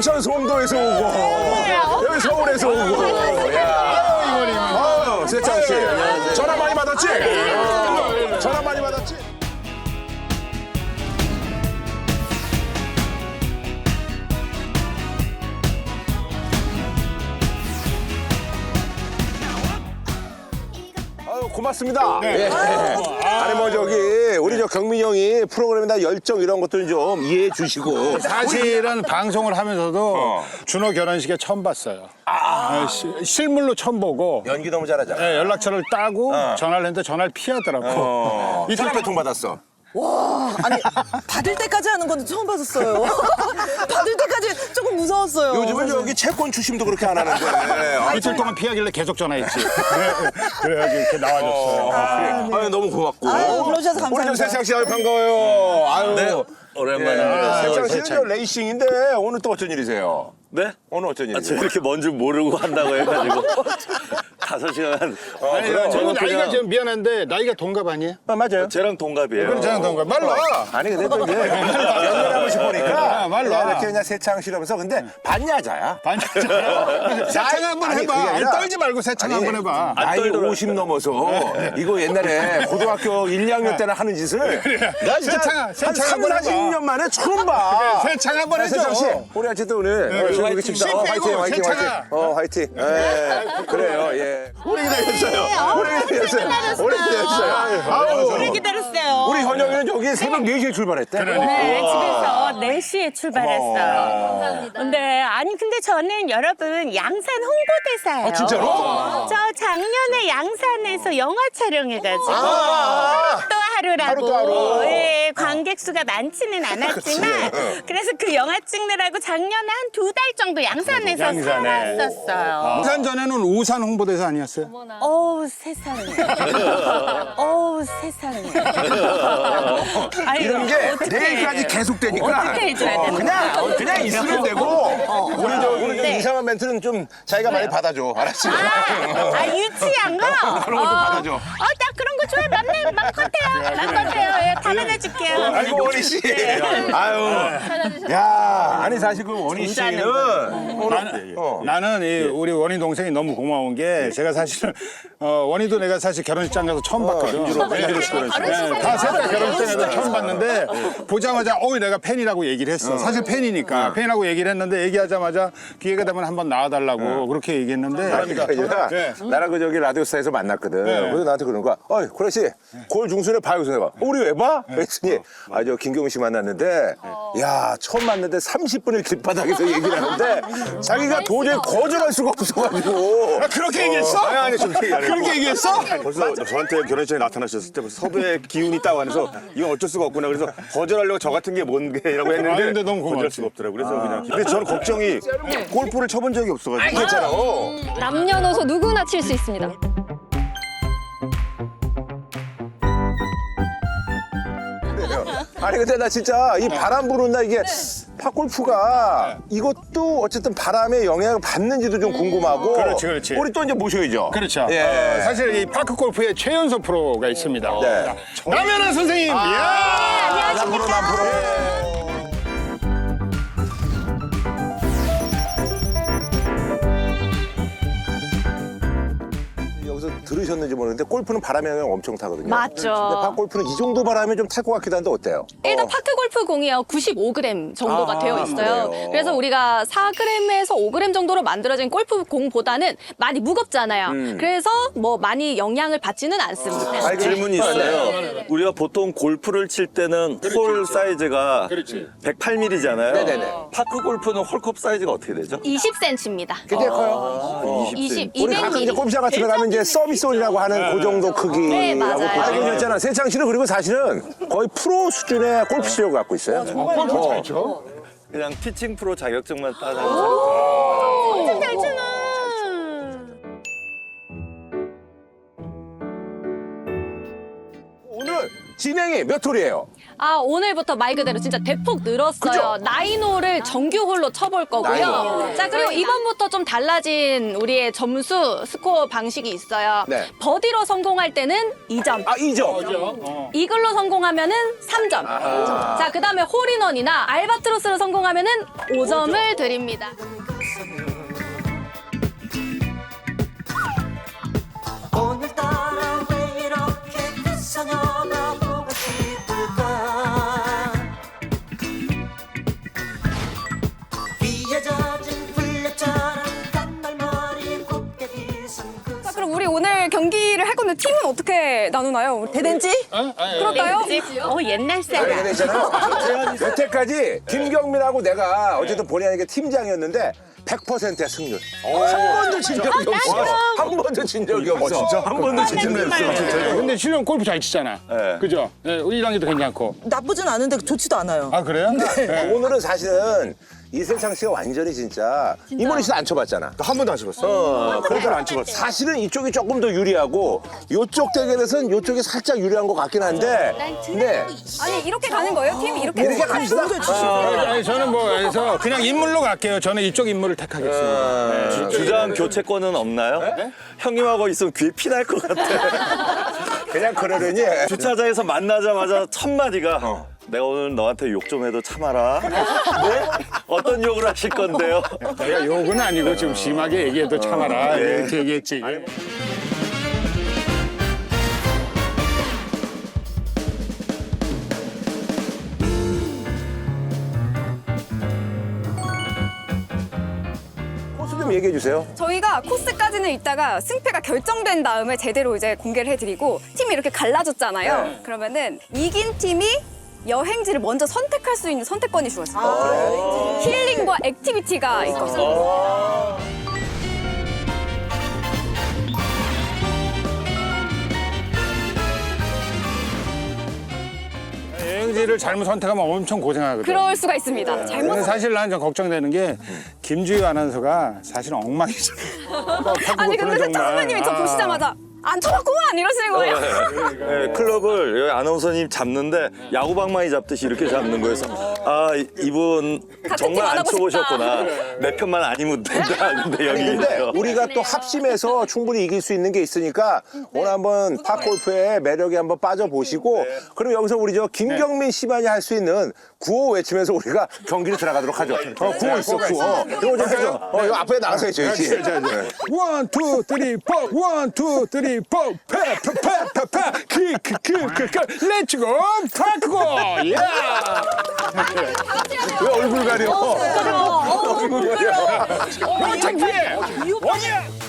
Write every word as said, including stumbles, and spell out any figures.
인천 송도에서 오고 여기 서울에서 오고. 야. 아유, 세창 씨. 전화 많이 받았지? 전화 많이 받았지? 아유, 고맙습니다. 네. 아니 뭐 저기 우리 저 경민이 형이 프로그램에다 열정 이런 것들 좀 이해해 주시고. 사실은 방송을 하면서도 어. 준호 결혼식에 처음 봤어요. 아. 시- 실물로 처음 보고 연기 너무 잘하잖아. 네, 연락처를 따고 전화를 했는데 전화를 피하더라고. 어. 이 사람 배통 받았어. 와, 아니 받을 때까지 하는 건 처음 봤었어요. 받을 때까지 조금 무서웠어요. 요즘은 저기 채권 추심도 그렇게 안 하는데. 아, 이틀 동안 피하길래 계속 전화했지. 그래, 그래가지고 이렇게 나와줬어요. 아, 아유, 너무 고맙고. 아유, 불러주셔서 감사합니다. 우리 저 세창 씨 아유 반가워요. 아유. 네, 오랜만입니다. 세창 씨는 저 레이싱인데 오늘 또 어쩐 일이세요? 네? 오늘 어쩐 아, 저 일이세요? 이렇게 먼 줄 모르고 한다고 해가지고 다섯 시간. 어, 아니, 그럼. 저는 나이가 그냥- 좀 미안한데 나이가 동갑 아니에요? 아, 맞아요. 쟤랑 동갑이에요. 그럼 저는 동갑. 말로 와. 아니 근데 또 이제 연결 한 번씩 보니까 아, 말로 그냥 와. 이렇게 그냥 세창 씨라면서 근데 반야자야. 반짝잖아. 세창 한번 아니, 해봐. 그게 아니, 아니라- 떨지 말고 세창 아니, 한번 해봐. 안 나이 떨더라고요. 오십 넘어서 이거 옛날에 고등학교 일, 이 학년 때나 하는 짓을 나 진짜 세창아, 한 세창 삼, 한번 사십 해봐. 년 만에 처음 봐. 세창 한번 야, 해줘. 세창 씨, 우리 어쨌든 오늘 어, 화이팅. 즐겁겠습니다. 어, 씨 화이팅, 빼고, 화이팅, 세창아. 화이팅. 어, 화이팅. 예, 그래요, 예. 오래 기다렸어요. 오래 기다렸어요. 오래 기다렸어요. 아유, 오래 기다렸어요. 우리 현영이는 저기 새벽 네 시에 출발했대. 네, 집에서 네 시에 출발했어요. 감사합니다. 근데 아니 근데 저는 여러분 양산 홍보대사예요. 아, 진짜로? 저 작년에 양산에서 영화 촬영해가지고 아. 또 하루라고. 하루 또 하루. 예, 관객 수가 많지는 않았지만 그래서 그 영화 찍느라고 작년에 한 두 달 정도 양산에서 양산에. 살았었어요. 우산 전에는 우산 홍보대사 아니었어요? 어우 세상에. 어우 세상에. 아이고, 이런 게 어떡해. 내일까지 계속되니까 어떻게 해줘야 되나? 그냥 어, 그냥 있으면 되고 우리 저 우리 저 네. 이상한 멘트는 좀 자기가 많이 받아줘. 알았지? 아, 아 유치한 거? 그런 거좀 받아줘. 어, 나 그런 거 좋아해. 맘내, 맘껏해요. 맘껏해요. 예, 담아내줄게요. 아이고 원희 씨. 아유. 야, 아니 사실 그 원희 씨는 나는, 나는 이 우리 원희 동생이 너무 고마운 게 제가 사실은 어, 원희도 내가 사실 결혼식장 가서 처음 봤거든. 네, 다셋 다 결혼식장에서 처음 봤는데 보자마자 어이 내가 팬이라고 얘기를 했어. 사실 팬이니까 팬이라고 얘기를 했는데 얘기하자마자 기회가 되면 한번 나와달라고 그렇게 얘기했는데 그러니까 아니라 네. 나랑 그 저기 라디오스타에서 만났거든. 그래서 나한테 그러는 거야. 어이, 고래 씨, 골 중순에 봐요. 그래서 내가, 어, 우리 왜 봐? 그랬더니, 아, 저 김경훈 씨 만났는데, 야, 처음 만났는데 삼십 분을 길바닥에서 얘기를 하는데, 자기가 도저히 거절할 수가 없어가지고. 아, 그렇게 얘기했어? 아니, 아니, 좀 그렇게 얘기했어? 벌써 저한테 결혼식장에 나타나셨을 때 벌써 섭외 기운이 있다고 하면서 이건 어쩔 수가 없구나. 그래서 거절하려고 저 같은 게 뭔게라고 아, 했는데 근데 너무 거절할 고맙지. 수가 없더라고요. 그래서 그냥. 근데 저는 걱정이 골프를 쳐본 적이 없어가지고. 괜찮아. 남녀노소 누구나 칠 수 있습니다. 아니, 근데 나 진짜 이 바람 부는 날 이게 팝골프가 이것도 어쨌든 바람의 영향을 받는지도 좀 궁금하고. 그렇지, 그렇지. 우리 또 이제 모셔야죠. 그렇죠. 예. 어, 사실 이 파크 골프의 최연소 프로가 있습니다. 네. 남현아 선생님. 이야. 남프로, 남프로. 여기서 들으셨는지 모르겠는데 골프는 바람의 영향 엄청 타거든요. 맞죠. 근데 팝골프는 이 정도 바람이 좀 탈 것 같기도 한데 어때요? 일단 어. 파크 골프 공이요 구십오 그램 정도가 아, 되어 있어요. 그래요? 그래서 우리가 사 그램에서 오 그램 정도로 만들어진 골프 공보다는 많이 무겁잖아요. 그래서 뭐 많이 영향을 받지는 않습니다. 음. 아니, 질문이 있어요. 우리가 보통 골프를 칠 때는 홀 사이즈가 그렇지. 백팔 밀리미터잖아요. 네네네. 파크 골프는 홀컵 사이즈가 어떻게 되죠? 이십 센티미터입니다. 굉장히 커요. 이십, 우리 가끔 이제 골프장 같은 데 가면 이제 서비스홀이라고 하는 그 정도 크기라고 네, 맞아요. 보시면 있잖아. 세창 씨는 그리고 사실은 거의 프로 수준의 골프 실력을 갖고 있어요. 어. 그냥 티칭 프로 자격증만 따서 엄청 잘 치나. 오늘 진행이 몇 홀이에요? 아, 오늘부터 말 그대로 진짜 대폭 늘었어요. 나인홀을 정규홀로 쳐볼 거고요. 나인홀. 자, 그리고 이번부터 좀 달라진 우리의 점수 스코어 방식이 있어요. 네. 버디로 성공할 때는 이 점. 아, 이 점. 이글로 성공하면은 삼 점. 자, 그 다음에 홀인원이나 알바트로스로 성공하면은 오 점을 드립니다. 오늘따라 왜 이렇게 그 소녀가 보고 싶을까 비에 젖은 풀잎처럼 단발머리 곱게 빗은 그 자, 그럼 우리 오늘 경기를 할 건데 팀은 어떻게 나누나요? 대댄지? 그럴까요? 어, 옛날 아니, 사람. 근데 있잖아요. 여태까지 김경민하고 내가 어쨌든 본의 아니게 팀장이었는데 백 퍼센트야 승률. 한 번도 진 적이 없어. 한 번도 진 적이 없어. 진짜? 한 번도 진 적이 없어. 근데 실은 골프 잘 치잖아. 네. 그죠? 네, 우리 이랑이도 괜찮고. 나쁘진 않은데 좋지도 않아요. 아, 그래요? 네. 오늘은 사실은 이세창 씨가 완전히 진짜 이모니 씨도 안 쳐봤잖아. 한 번도 안 쳐봤어. 어, 그러니까 안 쳐봤어. 사실은 이쪽이 조금 더 유리하고 이쪽 대결에서는 이쪽이 살짝 유리한 것 같긴 한데. 근데 아니 이렇게 가는 거예요? 팀이 이렇게? 이렇게 갑시다. 아니, 저는 뭐 그래서 그냥 인물로 갈게요. 저는 이쪽 인물을 택하겠습니다. 네. 주장 교체권은 없나요? 형님하고 있으면 귀에 피 날 것 같아. 그냥 그러려니. 주차장에서 만나자마자 첫 마디가 내가 오늘 너한테 욕 좀 해도 참아라. 네? 어떤 욕을 하실 건데요? 내가 욕은 아니고 좀 심하게 얘기해도 참아라. 이렇게 얘기했지. 코스 좀 얘기해 주세요. 저희가 코스까지는 이따가 승패가 결정된 다음에 제대로 이제 공개를 해드리고 팀이 이렇게 갈라졌잖아요. 그러면은 이긴 팀이 여행지를 먼저 선택할 수 있는 선택권이 주어져요. 힐링과 액티비티가 있거든요. 여행지를 잘못 선택하면 엄청 고생하거든. 그럴 수가 있습니다. 잘못 근데 사실 나는 좀 걱정되는 게 김주희 아나운서가 사실 엉망이잖아. 아니 근데 세창 선배님이 저 보시자마자 안 쳐봤구만 이러시는 거예요. 네, 클럽을 여기 아나운서님 잡는데 야구방망이 잡듯이 이렇게 잡는 거여서 아 이- 이분 같은 정말 팀안 안 하고 쳐보셨구나. 내 편만 아니면 된다. 근데 여기 근데 있어요. 우리가 또 합심해서 충분히 이길 수 있는 게 있으니까 오늘 한번 팝골프의 매력에 한번 빠져보시고 그럼 여기서 우리 저 김경민 씨만이 할 수 있는 구호 외치면서 우리가 경기를 들어가도록 하죠. 어, 구호 있어, 구호. 이거 좀 해줘. 어, 이거 앞에 나가서 해줘야지. 원, 투, 쓰리, 포. 원, 투, 쓰리, 포. 패, 패, 패, 패, 패. 키크, 키크, 키. 렛츠고, 파크고. 야! 왜 얼굴 가려? 얼굴 가려. 어, 창피해. 원이야.